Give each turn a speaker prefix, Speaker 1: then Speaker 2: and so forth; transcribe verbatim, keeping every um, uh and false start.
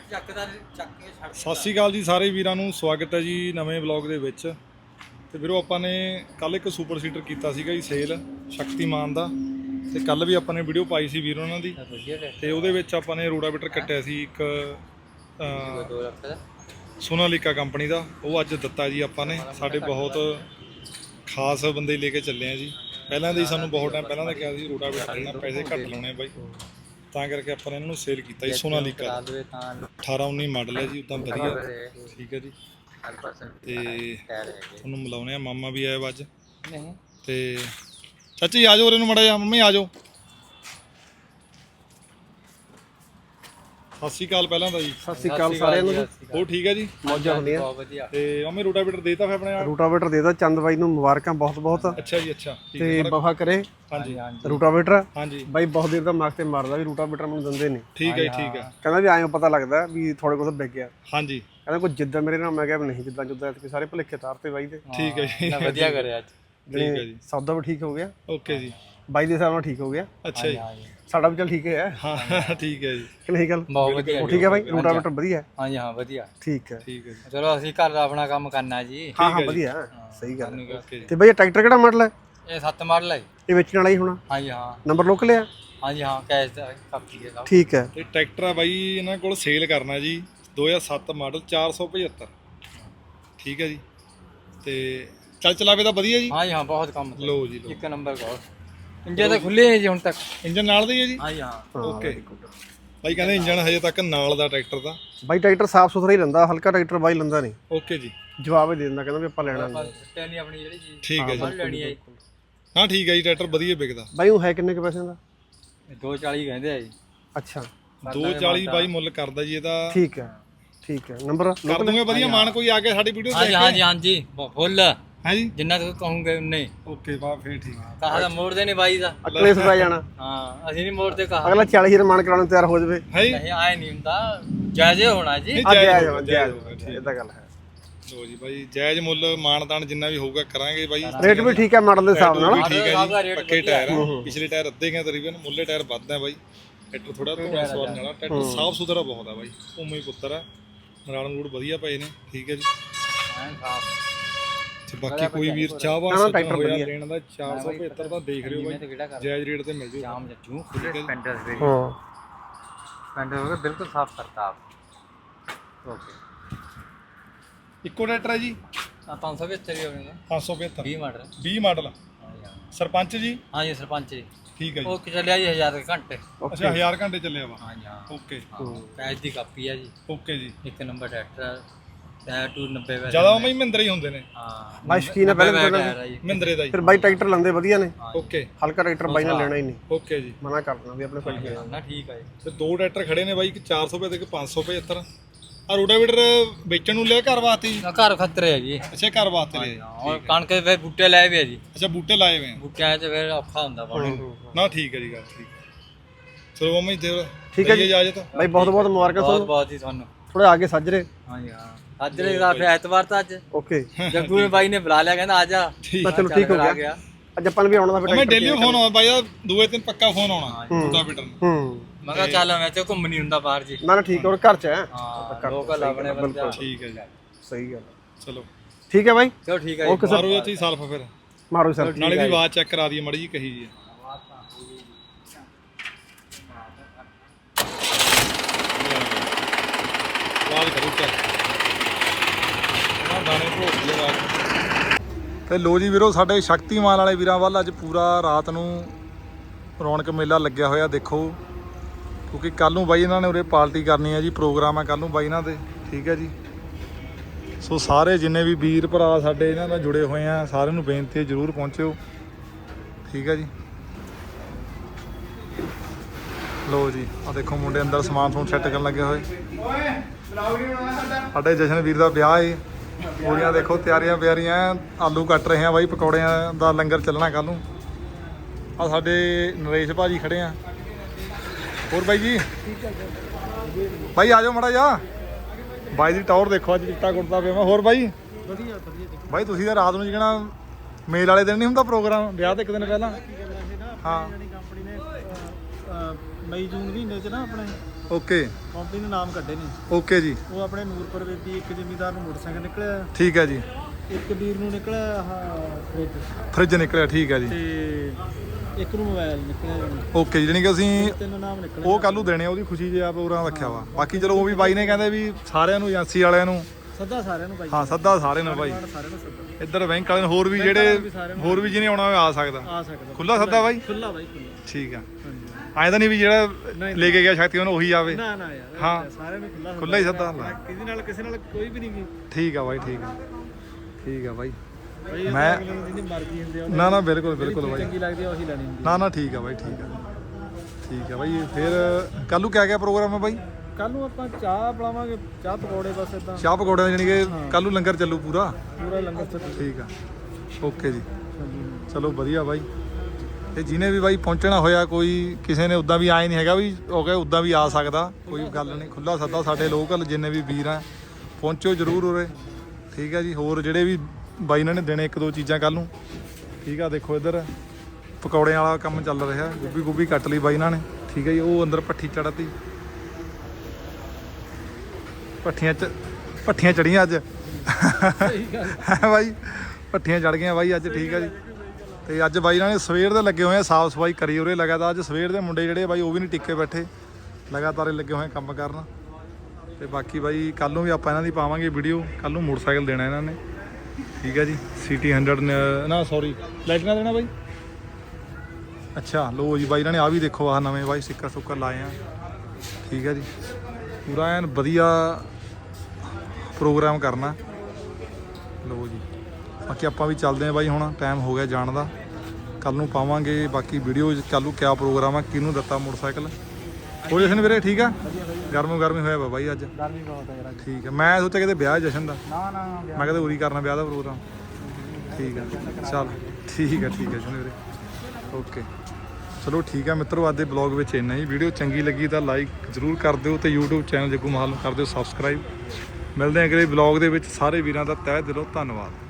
Speaker 1: ਸਤਿ ਸ਼੍ਰੀ ਅਕਾਲ ਜੀ ਸਾਰੇ ਵੀਰਾਂ ਨੂੰ ਸਵਾਗਤ ਹੈ ਜੀ ਨਵੇਂ ਵਲੌਗ ਦੇ ਵਿੱਚ। ਤੇ ਵੀਰੋ ਆਪਾਂ ਨੇ ਕੱਲ ਇੱਕ ਸੁਪਰ ਸੀਡਰ ਕੀਤਾ ਸੀਗਾ ਜੀ ਸੇਲ ਸ਼ਕਤੀਮਾਨ ਦਾ, ਤੇ ਕੱਲ ਵੀ ਆਪਾਂ ਨੇ ਵੀਡੀਓ ਪਾਈ ਸੀ ਵੀਰ ਉਹਨਾਂ ਦੀ, ਤੇ ਉਹਦੇ ਵਿੱਚ ਆਪਾਂ ਨੇ ਰੋਟਾਵੇਟਰ ਕੱਟਿਆ ਸੀ ਇੱਕ ਸੋਨਾਲੀਕਾ ਕੰਪਨੀ ਦਾ। ਉਹ ਅੱਜ ਦਿੱਤਾ ਜੀ ਆਪਾਂ ਨੇ। ਸਾਡੇ ਬਹੁਤ ਖਾਸ ਬੰਦੇ ਲੈ ਕੇ ਚੱਲੇ ਆ ਜੀ। ਪਹਿਲਾਂ ਦੇ ਸਾਨੂੰ ਬਹੁਤ ਟਾਈਮ ਪਹਿਲਾਂ ਦਾ ਕਿਹਾ ਸੀ ਰੋਟਾਵੇਟਰ ਲੈਣਾ, ਪੈਸੇ ਘੱਟ ਲਾਉਣੇ ਬਾਈ, ਤਾਂ ਕਰਕੇ ਆਪਾਂ ਨੇ ਇਹਨਾਂ ਨੂੰ ਸੇਲ ਕੀਤਾ ਜੀ। ਸੋਨਾਲੀਕਾ ਅਠਾਰਾਂ ਉੱਨੀ ਮਾਡਲ ਹੈ ਜੀ, ਉੱਦਾਂ ਵਧੀਆ ਠੀਕ ਹੈ ਜੀ। ਤੇ ਤੁਹਾਨੂੰ ਮਿਲਾਉਂਦੇ ਆ, ਮਾਮਾ ਵੀ ਆਇਆ ਅੱਜ। ਤੇ ਚਾਚੀ ਆ ਜਾਓ ਉਰੇ ਨੂੰ ਮਾੜਾ ਜਿਹਾ, ਮੰਮੀ ਆ ਜਾਓ। ਸਤਿ ਸ਼੍ਰੀ ਅਕਾਲ ਪਹਿਲਾਂ ਤਾਂ ਜੀ।
Speaker 2: ਸਤਿ ਸ਼੍ਰੀ ਅਕਾਲ ਸਾਰਿਆਂ ਨੂੰ।
Speaker 1: ਹੋਰ ਠੀਕ ਹੈ ਜੀ,
Speaker 2: ਮੌਜਾਂ ਹੁੰਦੀਆਂ।
Speaker 1: ਤੇ ਮੰਮੀ ਰੋਟਾਵੇਟਰ ਦੇਤਾ ਫਿਰ ਆਪਣੇ ਆਪ?
Speaker 2: ਰੋਟਾਵੇਟਰ ਦੇਤਾ, ਚੰਦ ਬਾਈ ਨੂੰ ਮੁਬਾਰਕਾਂ ਬਹੁਤ ਬਹੁਤ।
Speaker 1: ਅੱਛਾ ਜੀ ਅੱਛਾ,
Speaker 2: ਤੇ ਵਫਾ ਕਰੇ
Speaker 1: ਹਾਂਜੀ
Speaker 2: ਰੋਟਾਵੇਟਰ।
Speaker 1: ਹਾਂਜੀ
Speaker 2: ਬਾਈ ਬਹੁਤ ਦੇਰ ਦਾ ਮੱਖ ਤੇ ਮਾਰਦਾ ਵੀ ਰੋਟਾਵੇਟਰ ਮੈਨੂੰ ਦਿੰਦੇ ਨਹੀਂ।
Speaker 1: ਠੀਕ ਹੈ ਠੀਕ ਹੈ,
Speaker 2: ਕਹਿੰਦਾ ਵੀ ਐਂ ਪਤਾ ਲੱਗਦਾ ਵੀ ਥੋੜੇ ਬਹੁਤ ਵਿਕ ਗਿਆ।
Speaker 1: ਹਾਂਜੀ
Speaker 2: ਕਹਿੰਦਾ ਕੋਈ ਜਿੱਦਾਂ ਮੇਰੇ ਨਾਲ, ਮੈਂ ਕਿਹਾ ਵੀ ਨਹੀਂ ਜਿੱਦਾਂ ਜਿੱਦਾਂ ਸਾਰੇ ਭੁਲੇਖੇ ਤਾਰ ਤੇ ਬਾਈ ਦੇ।
Speaker 1: ਠੀਕ ਹੈ ਜੀ,
Speaker 3: ਵਧੀਆ ਕਰਿਆ ਅੱਜ।
Speaker 1: ਠੀਕ ਹੈ ਜੀ,
Speaker 2: ਸੌਦਾ ਵੀ ਠੀਕ ਹੋ ਗਿਆ।
Speaker 1: ਓਕੇ ਜੀ,
Speaker 2: ਬਾਈ ਦੇ ਹਿਸਾਬ ਨਾਲ ਠੀਕ ਹੋ ਗਿਆ।
Speaker 1: ਅੱਛਾ ਜੀ,
Speaker 2: ਸਾਡਾ ਵੀ ਚੱਲ ਠੀਕ ਹੈ।
Speaker 1: ਹਾਂ ਠੀਕ ਹੈ ਜੀ,
Speaker 2: ਕਿ ਨਹੀਂ ਗੱਲ?
Speaker 3: ਬਹੁਤ ਵਧੀਆ
Speaker 2: ਠੀਕ ਹੈ ਬਾਈ, ਰੋਟਾਵੇਟਰ ਵਧੀਆ।
Speaker 3: ਹਾਂਜੀ ਹਾਂ ਵਧੀਆ,
Speaker 2: ਠੀਕ ਹੈ
Speaker 1: ਠੀਕ ਹੈ ਜੀ।
Speaker 3: ਚਲੋ ਅਸੀਂ ਘਰ ਦਾ ਆਪਣਾ ਕੰਮ ਕਰਨਾ ਜੀ।
Speaker 2: ਹਾਂ ਹਾਂ ਵਧੀਆ, ਸਹੀ ਗੱਲ।
Speaker 1: ਓਕੇ ਜੀ।
Speaker 2: ਤੇ ਬਾਈ ਟਰੈਕਟਰ ਕਿਹੜਾ ਮਾਡਲ ਹੈ?
Speaker 3: ਇਹ ਸੱਤ ਮਾਡਲ ਹੈ।
Speaker 2: ਇਹ ਵੇਚਣ ਵਾਲਾ ਹੀ ਹੋਣਾ?
Speaker 3: ਹਾਂਜੀ ਹਾਂ।
Speaker 2: ਨੰਬਰ ਲੋਕਲ ਹੈ?
Speaker 3: ਹਾਂਜੀ ਹਾਂ, ਕੈਸ਼ ਦਾ ਕਾਪੀ ਹੈ।
Speaker 2: ਠੀਕ ਹੈ।
Speaker 1: ਇਹ ਟਰੈਕਟਰ ਆ ਬਾਈ ਇਹਨਾਂ ਕੋਲ ਸੇਲ ਕਰਨਾ ਜੀ, ਦੋ ਹਜ਼ਾਰ ਸੱਤ ਮਾਡਲ, ਚਾਰ ਸੌ ਪਝੱਤਰ। ਠੀਕ ਹੈ ਜੀ, ਤੇ ਚੱਲ ਚਲਾਵੇ ਤਾਂ ਵਧੀਆ ਜੀ।
Speaker 3: ਹਾਂਜੀ ਹਾਂ, ਬਹੁਤ ਕੰਮ
Speaker 1: ਲਓ ਜੀ ਲਓ,
Speaker 3: ਇੱਕ ਨੰਬਰ ਕੋਲ। ਇੰਜਨ ਤਾਂ ਖੁੱਲੇ ਨਹੀਂ ਜੀ ਹੁਣ ਤੱਕ।
Speaker 1: ਇੰਜਨ ਨਾਲ ਦਾ ਹੀ ਹੈ ਜੀ?
Speaker 3: ਹਾਂਜੀ ਹਾਂ।
Speaker 1: ਓਕੇ ਬਾਈ ਕਹਿੰਦੇ ਇੰਜਨ ਹਜੇ ਤੱਕ ਨਾਲ ਦਾ ਟਰੈਕਟਰ ਦਾ।
Speaker 2: ਬਾਈ ਟਰੈਕਟਰ ਸਾਫ ਸੁਥਰਾ ਹੀ ਲੈਂਦਾ, ਹਲਕਾ ਟਰੈਕਟਰ ਬਾਈ ਲੈਂਦਾ ਨਹੀਂ।
Speaker 1: ਓਕੇ ਜੀ,
Speaker 2: ਜਵਾਬ ਹੀ ਦੇ ਦਿੰਦਾ, ਕਹਿੰਦਾ ਵੀ ਆਪਾਂ ਲੈਣਾ ਨਹੀਂ।
Speaker 3: ਟੈਨੀ ਆਪਣੀ ਜਿਹੜੀ ਚੀਜ਼
Speaker 1: ਠੀਕ ਹੈ ਜੀ,
Speaker 3: ਲੈਣੀ ਹੈ।
Speaker 1: ਹਾਂ ਠੀਕ ਹੈ ਜੀ, ਟਰੈਕਟਰ ਵਧੀਆ ਵਿਕਦਾ।
Speaker 2: ਬਾਈ ਉਹ ਹੈ ਕਿੰਨੇ ਕੁ ਪੈਸਿਆਂ ਦਾ?
Speaker 3: ਦੋ ਚਾਲੀ ਕਹਿੰਦੇ ਆ ਜੀ।
Speaker 2: ਅੱਛਾ,
Speaker 1: ਦੋ ਚਾਲੀ ਬਾਈ ਮੁੱਲ ਕਰਦਾ ਜੀ ਇਹਦਾ।
Speaker 2: ਠੀਕ ਹੈ ਠੀਕ ਹੈ। ਨੰਬਰ
Speaker 1: ਕਰ ਦੂੰਗੇ ਵਧੀਆ ਮਾਨ, ਕੋਈ ਆ ਕੇ ਸਾਡੀ ਵੀਡੀਓ ਦੇਖ
Speaker 3: ਹਾਂਜੀ
Speaker 1: ਕੇ।
Speaker 3: ਹਾਂਜੀ ਹਾਂਜੀ ਫੁੱਲ
Speaker 1: ਹਾਂ ਜੀ,
Speaker 3: ਜਿੰਨਾ ਤੁਸੀਂ ਕਹੋਗੇ ਉਨੇ।
Speaker 1: ਓਕੇ ਵਾਹ ਫੇਰ ਠੀਕ ਹੈ।
Speaker 3: ਕਹਾ ਦਾ ਮੋੜਦੇ ਨੇ ਬਾਈ ਦਾ।
Speaker 2: ਅਗਲੇ ਸਦਾ ਜਾਣਾ।
Speaker 3: ਹਾਂ ਅਸੀਂ ਨਹੀਂ ਮੋੜਦੇ ਕਹਾ।
Speaker 2: ਅਗਲਾ ਚਾਲੀ ਹਜ਼ਾਰ ਮਾਨ ਕਰਾਉਣ ਨੂੰ ਤਿਆਰ ਹੋ ਜਾਵੇ।
Speaker 1: ਹੈ ਜੀ,
Speaker 3: ਨਹੀਂ ਆਏ ਨਹੀਂ ਹੁੰਦਾ, ਜਾਇਜ਼ੇ ਹੋਣਾ ਜੀ।
Speaker 2: ਆ ਜਾਇਜ਼ ਹੋਣਾ, ਜਾਇਜ਼ ਇਦਾਂ ਗੱਲ ਹੈ।
Speaker 1: ਲੋ ਜੀ ਬਾਈ, ਜਾਇਜ਼ ਮੁੱਲ ਮਾਨਦਾਨ ਜਿੰਨਾ ਵੀ ਹੋਊਗਾ ਕਰਾਂਗੇ ਬਾਈ।
Speaker 2: ਰੇਟ ਵੀ ਠੀਕ ਹੈ ਮਾਡਲ ਦੇ ਹਿਸਾਬ ਨਾਲ।
Speaker 1: ਠੀਕ ਹੈ ਜੀ, ਪੱਕੇ ਟਾਇਰ ਆ, ਪਿਛਲੇ ਟਾਇਰ ਅੱਧੇ ਗਏ ਤਕਰੀਬਨ, ਮੁੱਲੇ ਟਾਇਰ ਵੱਧ ਆ ਬਾਈ। ਟਰੈਕਟਰ ਥੋੜਾ ਧੋਣਾ ਸਵਾਰਨ ਵਾਲਾ, ਟਰੈਕਟਰ ਸਾਫ ਸੁਥਰਾ ਬਹੁਤ ਆ ਬਾਈ। ਭੂਮੀ ਪੁੱਤਰ ਆ, ਰਾਣ ਰੂੜ ਵਧੀਆ ਪਏ ਨੇ। ਠੀਕ ਹੈ ਜੀ, ਤੇ ਬਾਕੀ ਕੋਈ ਵੀਰ ਚਾਹਵਾ ਸੱਜਣ ਹੋਇਆ ਲੈਣ ਦਾ, ਚਾਰ ਸੌ ਪਝੱਤਰ ਦਾ ਦੇਖ ਰਹੇ ਹੋ ਬਾਈ, ਜਾਇਜ਼ ਰੇਟ ਤੇ ਮਿਲ ਜੂ।
Speaker 3: ਜਾਮ ਜੱਜੂ ਖੁੱਲੇ ਸਪੈਂਡਰ ਸਵੇਰੇ
Speaker 2: ਹਾਂ
Speaker 3: ਸਪੈਂਡਰ ਹੋ ਗਿਆ ਬਿਲਕੁਲ ਸਾਫ ਕਰਤਾ ਆਪ। ਓਕੇ,
Speaker 1: ਇੱਕੋ ਟਰੈਕਟਰ ਹੈ ਜੀ?
Speaker 3: ਆ ਪੰਜ ਸੌ ਪਝੱਤਰ ਹੀ ਹੋਣਗੇ।
Speaker 1: ਪੰਜ ਸੌ ਪਝੱਤਰ
Speaker 3: ਵੀਹ ਮਾਡਲ।
Speaker 1: ਵੀਹ ਮਾਡਲ।
Speaker 3: ਹਾਂਜੀ ਹਾਂ।
Speaker 1: ਸਰਪੰਚ ਜੀ?
Speaker 3: ਹਾਂਜੀ ਸਰਪੰਚ ਜੀ।
Speaker 1: ਠੀਕ ਹੈ ਜੀ।
Speaker 3: ਉਹ ਚੱਲਿਆ ਜੀ ਹਜ਼ਾਰ ਘੰਟੇ।
Speaker 1: ਅੱਛਾ ਹਜ਼ਾਰ ਘੰਟੇ ਚੱਲਿਆ ਵਾ?
Speaker 3: ਹਾਂਜੀ ਹਾਂ।
Speaker 1: ਓਕੇ
Speaker 3: ਕੈਸ਼ ਦੀ ਕਾਪੀ ਹੈ ਜੀ।
Speaker 1: ਓਕੇ ਜੀ,
Speaker 3: ਇੱਕ ਨੰਬਰ ਟਰੈਕਟਰ ਟਾਇਰ ਟੂ ਨੱਬੇ ਵੇ।
Speaker 1: ਜਿਆਦਾ ਬਾਈ ਮਹਿੰਦਰਾ ਹੀ ਹੁੰਦੇ ਨੇ?
Speaker 3: ਹਾਂ
Speaker 2: ਬਾਈ ਸ਼ਕੀਨ ਹੈ ਪਹਿਲੇ ਤੋਂ।
Speaker 1: ਮਹਿੰਦਰੇ ਦਾ ਜੀ?
Speaker 2: ਫਿਰ ਬਾਈ ਟਰੈਕਟਰ ਲੈਂਦੇ ਵਧੀਆ ਨੇ।
Speaker 1: ਓਕੇ,
Speaker 2: ਹਲਕਾ ਟਰੈਕਟਰ ਬਾਈ ਨਾਲ ਲੈਣਾ ਹੀ ਨਹੀਂ।
Speaker 1: ਓਕੇ ਜੀ,
Speaker 2: ਮਨਾ ਕਰ ਦੇਣਾ ਵੀ ਆਪਣੇ ਕੋਲ ਹੀ
Speaker 3: ਨਾ ਠੀਕ ਹੈ ਜੀ।
Speaker 1: ਤੇ ਦੋ ਟਰੈਕਟਰ ਖੜੇ ਨੇ ਬਾਈ, ਇੱਕ ਚਾਰ ਸੌ ਰੁਪਏ ਤੇ ਇੱਕ ਪੰਜ ਸੌ ਪਝੱਤਰ। ਆ ਰੋਟਾਵੇਟਰ ਵੇਚਣ ਨੂੰ ਲਿਆ ਘਰ ਵਾਸਤੇ ਜੀ?
Speaker 3: ਘਰ ਖਤਰੇ ਹੈ ਜੀ।
Speaker 1: ਅੱਛਾ ਘਰ ਵਾਸਤੇ ਲਿਆ।
Speaker 3: ਔਰ ਕਣਕ ਦੇ ਫਿਰ ਬੂਟੇ ਲਾਏ ਵੇ ਜੀ।
Speaker 1: ਅੱਛਾ ਬੂਟੇ ਲਾਏ ਹੋਏ ਆ?
Speaker 3: ਬੂਟਿਆਂ 'ਚ ਫਿਰ ਔਖਾ ਹੁੰਦਾ ਪਾਣੀ।
Speaker 1: ਨਾ ਠੀਕ ਹੈ ਜੀ, ਗੱਲ ਠੀਕ ਹੈ। ਚਲੋ ਮੰਮੀ ਦੇ
Speaker 2: ਠੀਕ ਹੈ ਜੀ,
Speaker 1: ਇਜਾਜ਼ਤ।
Speaker 2: ਬਾਈ ਬਹੁਤ ਬਹੁਤ ਮੁਬਾਰਕਾਂ
Speaker 3: ਬਹੁਤ
Speaker 2: ਤੁਹਾਨੂੰ।
Speaker 3: ਬਹੁਤ ਜੀ ਤੁਹਾਨੂੰ।
Speaker 2: ਥੋੜੇ ਆਗੇ ਸੱਜਰੇ।
Speaker 3: ਹਾਂਜੀ ਹਾਂ, ਅੱਜ ਦੇ ਦਾ ਫਿਰ ਐਤਵਾਰ ਤਾਂ ਅੱਜ
Speaker 2: ਓਕੇ,
Speaker 3: ਜੱਗੂ ਨੇ ਬਾਈ ਨੇ ਬੁਲਾ ਲਿਆ, ਕਹਿੰਦਾ ਆ ਜਾ।
Speaker 2: ਤਾਂ ਚਲੋ ਠੀਕ ਹੋ ਗਿਆ। ਅੱਜ ਆਪਾਂ ਨੂੰ ਵੀ ਆਉਣਾ ਦਾ ਫਿਰ।
Speaker 1: ਮੈਂ ਡੇਲੀ ਫੋਨ ਆਉਂਦਾ ਬਾਈ, ਆ ਦੂਏ ਦਿਨ ਪੱਕਾ ਫੋਨ ਆਉਣਾ ਰੋਟਾਵੇਟਰ ਨੂੰ।
Speaker 2: ਹੂੰ,
Speaker 3: ਮੈਂ ਕਿਹਾ ਚੱਲ ਮੈਂ ਤੇ ਘੁੰਮ ਨਹੀਂ ਹੁੰਦਾ ਬਾਹਰ ਜੀ।
Speaker 2: ਨਾ ਨਾ ਠੀਕ ਹੈ, ਹੋਰ ਘਰ ਚ ਹੈ।
Speaker 3: ਹਾਂ ਲੋਕਲ ਆਪਣੇ ਬੰਦੇ।
Speaker 1: ਠੀਕ ਹੈ ਜੀ,
Speaker 2: ਸਹੀ ਗੱਲ।
Speaker 1: ਚਲੋ
Speaker 2: ਠੀਕ ਹੈ ਬਾਈ,
Speaker 3: ਚਲੋ ਠੀਕ ਹੈ
Speaker 2: ਓਕੇ
Speaker 3: ਜੀ।
Speaker 1: ਮਾਰੋ ਜੀ ਸਾਲਫ ਫਿਰ,
Speaker 2: ਮਾਰੋ ਸਰ।
Speaker 1: ਨਾਲੇ ਵੀ ਆਵਾਜ਼ ਚੈੱਕ ਕਰਾ ਦਈਏ ਮੜੀ ਜੀ ਕਹੀ ਜੀ। ਆਵਾਜ਼ ਕਰੂ ਚੈੱਕ, ਦਾਣੇ ਭੋਗ ਦੀ ਆਵਾਜ਼। ਤੇ ਲੋ ਜੀ ਵੀਰੋ, ਸਾਡੇ ਸ਼ਕਤੀਮਾਨ ਵਾਲੇ ਵੀਰਾਂ ਵੱਲ ਅੱਜ ਪੂਰਾ ਰਾਤ ਨੂੰ ਰੌਣਕ ਮੇਲਾ ਲੱਗਿਆ ਹੋਇਆ ਦੇਖੋ, ਕਿਉਂਕਿ ਕੱਲ ਨੂੰ ਬਾਈ ਇਹਨਾਂ ਨੇ ਉਰੇ ਪਾਰਟੀ ਕਰਨੀ ਹੈ ਜੀ, ਪ੍ਰੋਗਰਾਮ ਹੈ ਕੱਲ ਨੂੰ ਬਾਈ ਇਹਨਾਂ ਦੇ। ਠੀਕ ਹੈ ਜੀ, ਸੋ ਸਾਰੇ ਜਿੰਨੇ ਵੀ ਵੀਰ ਭਰਾ ਸਾਡੇ ਇਹਨਾਂ ਨਾਲ ਜੁੜੇ ਹੋਏ ਆ, ਸਾਰਿਆਂ ਨੂੰ ਬੇਨਤੀ ਹੈ ਜ਼ਰੂਰ ਪਹੁੰਚਿਓ। ਠੀਕ ਹੈ ਜੀ, ਲੋ ਜੀ ਆ ਦੇਖੋ ਮੁੰਡੇ ਅੰਦਰ ਸਮਾਨ ਸਮੂਨ ਸੈੱਟ ਕਰਨ ਲੱਗੇ ਹੋਏ। ਸਾਡੇ ਜਸ਼ਨ ਵੀਰ ਦਾ ਵਿਆਹ ਏ, ਪੂਰੀਆਂ ਦੇਖੋ ਤਿਆਰੀਆਂ ਪਿਆਰੀਆਂ, ਆਲੂ ਕੱਟ ਰਹੇ ਆ ਬਾਈ, ਪਕੌੜਿਆਂ ਦਾ ਲੰਗਰ ਚੱਲਣਾ ਕੱਲ ਨੂੰ। ਆ ਸਾਡੇ ਨਰੇਸ਼ ਭਾਜੀ ਖੜੇ ਆ। ਹੋਰ ਬਾਈ ਜੀ? ਬਾਈ ਆ ਜਾਓ ਮਾੜਾ ਜਾ, ਬਾਈ ਦੀ ਟੌਰ ਦੇਖੋ, ਅੱਜ ਚਿੱਟਾ ਕੁੜਤਾ ਪਿਆ। ਹੋਰ ਬਾਈ? ਵਧੀਆ ਵਧੀਆ ਬਾਈ, ਤੁਸੀਂ ਤਾਂ ਰਾਤ ਨੂੰ ਜਿਹੜਾ ਮੇਲ ਵਾਲੇ ਦਿਨ ਨਹੀਂ ਹੁੰਦਾ ਪ੍ਰੋਗਰਾਮ, ਵਿਆਹ ਤੋਂ ਇੱਕ ਦਿਨ ਪਹਿਲਾਂ? ਹਾਂ
Speaker 2: ਕੰਪਨੀ ਨੇ ਮਈ ਜੂਨ ਮਹੀਨੇ ਚ ਨਾ ਆਪਣੇ
Speaker 1: ਓਕੇ
Speaker 2: ਕੰਪਨੀ ਦੇ ਨਾਮ ਕੱਢੇ ਨੇ।
Speaker 1: ਓਕੇ ਜੀ
Speaker 2: ਉਹ ਆਪਣੇ ਨੂਰਪੁਰ ਵਿੱਚ ਇੱਕ ਜ਼ਿਮੀਦਾਰ ਨੂੰ ਮੋਟਰਸਾਈਕਲ ਨਿਕਲਿਆ,
Speaker 1: ਠੀਕ ਹੈ ਜੀ
Speaker 2: ਇੱਕ ਵੀਰ ਨੂੰ ਨਿਕਲਿਆ ਆਹ ਫ੍ਰਿਜ
Speaker 1: ਫ੍ਰਿਜ ਨਿਕਲਿਆ ਠੀਕ ਹੈ ਜੀ
Speaker 2: ਤੇ ਇੱਕ ਨੂੰ ਮੋਬਾਈਲ ਨਿਕਲਿਆ ਜਾਣੀ
Speaker 1: ਓਕੇ ਜੀ ਜਾਣੀ ਕਿ ਅਸੀਂ
Speaker 2: ਤਿੰਨ ਨਾਮ ਨਿਕਲੇ।
Speaker 1: ਉਹ ਕੱਲ ਨੂੰ ਦੇਣੇ ਉਹਦੀ ਖੁਸ਼ੀ 'ਚ ਆ ਪ੍ਰੋਗਰਾਮ ਰੱਖਿਆ ਵਾ ਬਾਕੀ ਚਲੋ ਉਹ ਵੀ ਬਾਈ ਨੇ ਕਹਿੰਦੇ ਵੀ ਸਾਰਿਆਂ ਨੂੰ ਏਜੰਸੀ ਵਾਲਿਆਂ ਨੂੰ
Speaker 2: ਸੱਦਾ ਸਾਰਿਆਂ ਨੂੰ ਬਾਈ,
Speaker 1: ਹਾਂ ਸੱਦਾ ਸਾਰਿਆਂ ਨੂੰ ਬਾਈ
Speaker 2: ਸਾਰਿਆਂ ਨੂੰ ਸੱਦਾ
Speaker 1: ਇੱਧਰ ਬੈਂਕ ਵਾਲਿਆਂ ਨੂੰ ਹੋਰ ਵੀ ਜਿਹੜੇ ਹੋਰ ਵੀ ਜਿਹਨੇ ਆਉਣਾ ਹੋਵੇ ਆ ਸਕਦਾ
Speaker 2: ਆ ਸਕਦਾ।
Speaker 1: ਖੁੱਲਾ ਸੱਦਾ ਬਾਈ
Speaker 2: ਖੁੱਲਾ ਬਾਈ ਖੁੱਲਾ।
Speaker 1: ਠੀਕ ਆ
Speaker 2: ਹਾਂਜੀ
Speaker 1: ਐਂ ਤਾਂ ਨਹੀਂ ਵੀ ਜਿਹੜਾ ਲੈ ਕੇ ਗਿਆ ਸ਼ਕਤੀ ਉਹਨੂੰ ਉਹੀ ਆਵੇ
Speaker 2: ਨਾ ਨਾ ਯਾਰ
Speaker 1: ਹਾਂ।
Speaker 2: ਸਾਰਿਆਂ ਨੂੰ ਖੁੱਲਾ
Speaker 1: ਖੁੱਲਾ ਹੀ ਸੱਦਾ ਲਾ
Speaker 2: ਕਿਸੇ ਨਾਲ ਕਿਸੇ ਨਾਲ ਕੋਈ ਵੀ ਨਹੀਂ ਗਈ
Speaker 1: ਠੀਕ ਆ ਬਾਈ ਠੀਕ ਆ ਠੀਕ ਆ ਬਾਈ
Speaker 2: ਬਾਈ।
Speaker 1: ਮੈਂ
Speaker 2: ਅਗਲੇ ਨੂੰ ਜਿਹਦੀ ਮਰਜ਼ੀ ਹੁੰਦੀ ਆ
Speaker 1: ਨਾ ਨਾ ਬਿਲਕੁਲ ਬਿਲਕੁਲ ਬਾਈ
Speaker 2: ਚੰਗੀ ਲੱਗਦੀ ਆ ਉਹੀ ਲੈਣੀ ਹੁੰਦੀ
Speaker 1: ਨਾ ਨਾ ਠੀਕ ਆ ਬਾਈ ਠੀਕ ਆ ਠੀਕ ਆ ਬਾਈ ਫਿਰ ਕੱਲ ਨੂੰ ਕਿਆ ਕਿਆ ਪ੍ਰੋਗਰਾਮ ਹੈ ਬਾਈ
Speaker 2: ਕੱਲ ਨੂੰ ਆਪਾਂ ਚਾਹ ਬਣਾਵਾਂਗੇ, ਚਾਹ ਪਕੌੜੇ ਬਸ ਇਦਾਂ
Speaker 1: ਚਾਹ ਪਕੌੜਿਆਂ ਜਾਨੀ ਕਿ ਕੱਲ ਨੂੰ ਲੰਗਰ ਚੱਲੂ ਪੂਰਾ
Speaker 2: ਪੂਰਾ ਲੰਗਰ ਚੱਲੂ।
Speaker 1: ਠੀਕ ਆ ਓਕੇ ਜੀ
Speaker 2: ਹਾਂਜੀ
Speaker 1: ਚਲੋ ਵਧੀਆ ਬਾਈ ਤੇ ਜਿਹਨੇ ਵੀ ਬਾਈ ਪਹੁੰਚਣਾ ਹੋਇਆ ਕੋਈ ਕਿਸੇ ਨੇ ਉਦਾਂ ਵੀ ਆਏ ਨਹੀਂ ਹੈਗਾ ਵੀ ਹੋ ਗਿਆ ਉਦਾਂ ਵੀ ਆ ਸਕਦਾ ਕੋਈ ਗੱਲ ਨਹੀਂ ਖੁੱਲਾ ਸੱਦਾ ਸਾਡੇ ਲੋਕਲ ਜਿੰਨੇ ਵੀ ਵੀਰ ਆ ਪਹੁੰਚੋ ਜ਼ਰੂਰ ਉਰੇ ਠੀਕ ਆ ਜੀ ਹੋਰ ਜਿਹੜੇ ਵੀ ਬਾਈ ਇਹਨਾਂ ਨੇ ਦੇਣੇ ਇੱਕ ਦੋ ਚੀਜ਼ਾਂ ਕੱਲ ਨੂੰ ਠੀਕ ਆ ਦੇਖੋ ਇੱਧਰ ਪਕੌੜਿਆਂ ਵਾਲਾ ਕੰਮ ਚੱਲ ਰਿਹਾ ਗੋਭੀ ਗੋਭੀ ਕੱਟ ਲਈ ਬਾਈ ਇਹਨਾਂ ਨੇ ਠੀਕ ਆ ਜੀ ਉਹ ਅੰਦਰ ਭੱਠੀ ਚੜ੍ਹਤੀ ਭੱਠੀਆਂ ਚ ਭੱਠੀਆਂ ਚੜੀਆਂ ਅੱਜ ਹੈ ਬਾਈ ਭੱਠੀਆਂ ਚੜ ਗਈਆਂ ਬਾਈ ਅੱਜ ਠੀਕ ਆ ਜੀ ਤੇ ਅੱਜ ਬਾਈ ਇਹਨਾਂ ਨੇ ਸਵੇਰ ਦੇ ਲੱਗੇ ਹੋਏ ਆ ਸਾਫ ਸਫਾਈ ਕਰੀ ਉਰੇ ਲਗਾਤਾਰ ਅੱਜ ਸਵੇਰ ਦੇ ਮੁੰਡੇ ਜਿਹੜੇ ਬਾਈ ਉਹ ਵੀ ਨਹੀਂ ਟਿੱਕੇ ਬੈਠੇ ਲਗਾਤਾਰ ਲੱਗੇ ਹੋਏ ਕੰਮ ਕਰਨ ਤੇ ਬਾਕੀ ਬਾਈ ਕੱਲ ਨੂੰ ਵੀ ਆਪਾਂ ਇਹਨਾਂ ਦੀ ਪਾਵਾਂਗੇ ਵੀਡੀਓ ਕੱਲ ਨੂੰ ਮੋਟਰਸਾਈਕਲ ਦੇਣਾ ਇਹਨਾਂ ਨੇ ਠੀਕ ਹੈ ਜੀ ਸਿਟੀ ਹੰਡਰਡ ਨਾ ਸੌਰੀ ਲਾਈਟਨਾ ਦੇਣਾ ਬਾਈ ਅੱਛਾ ਲੋ ਜੀ ਬਾਈ ਇਹਨਾਂ ਨੇ ਆ ਵੀ ਦੇਖੋ ਆਹ ਨਵੇਂ ਬਾਈ ਸਿੱਕਰ ਸੁੱਕਰ ਲਾਏ ਆ ਠੀਕ ਹੈ ਜੀ ਪੂਰਾ ਐਨ ਵਧੀਆ ਪ੍ਰੋਗਰਾਮ ਕਰਨਾ ਲੋ ਜੀ ਬਾਕੀ ਆਪਾਂ ਵੀ ਚੱਲਦੇ ਹਾਂ ਬਾਈ ਹੁਣ ਟਾਈਮ ਹੋ ਗਿਆ ਜਾਣ ਦਾ ਕੱਲ ਨੂੰ ਪਾਵਾਂਗੇ ਬਾਕੀ ਵੀਡੀਓ ਕੱਲ ਨੂੰ ਕਿਆ ਪ੍ਰੋਗਰਾਮ ਆ ਕਿਹਨੂੰ ਦਿੱਤਾ ਮੋਟਰਸਾਈਕਲ ਹੋ ਜਸ਼ਨ ਵੀਰੇ ਠੀਕ ਆ ਗਰਮੋ ਗਰਮੀ ਹੋਇਆ ਵਾ ਬਾਈ ਅੱਜ
Speaker 2: ਗਰਮੀ ਬਹੁਤ ਆ ਯਾਰ ਅੱਜ।
Speaker 1: ਠੀਕ ਆ ਮੈਂ ਸੋਚਿਆ ਕਿਤੇ ਵਿਆਹ ਜਸ਼ਨ ਦਾ
Speaker 2: ਨਾ ਨਾ
Speaker 1: ਮੈਂ ਕਹਿੰਦਾ ਉਰੀ ਕਰਨਾ ਵਿਆਹ ਦਾ ਪ੍ਰੋਗਰਾਮ ਠੀਕ ਆ ਚੱਲ ਠੀਕ ਆ ਠੀਕ ਆ ਜਸ਼ਨ ਵੀਰੇ ਓਕੇ ਚਲੋ ਠੀਕ ਆ ਮਿੱਤਰੋ ਅੱਜ ਦੇ ਬਲੌਗ ਵਿੱਚ ਇੰਨਾ ਹੀ ਵੀਡੀਓ ਚੰਗੀ ਲੱਗੀ ਤਾਂ ਲਾਈਕ ਜ਼ਰੂਰ ਕਰ ਦਿਓ ਤੇ YouTube ਚੈਨਲ ਜੱਗੂ ਮਾਹਲ ਨੂੰ ਕਰ ਦਿਓ ਸਬਸਕ੍ਰਾਈਬ ਮਿਲਦੇ ਹਾਂ ਅਗਲੇ ਬਲੌਗ ਦੇ ਵਿੱਚ ਸਾਰੇ ਵੀਰਾਂ ਦਾ ਤਹਿ ਦਿਲੋਂ ਧੰਨਵਾਦ।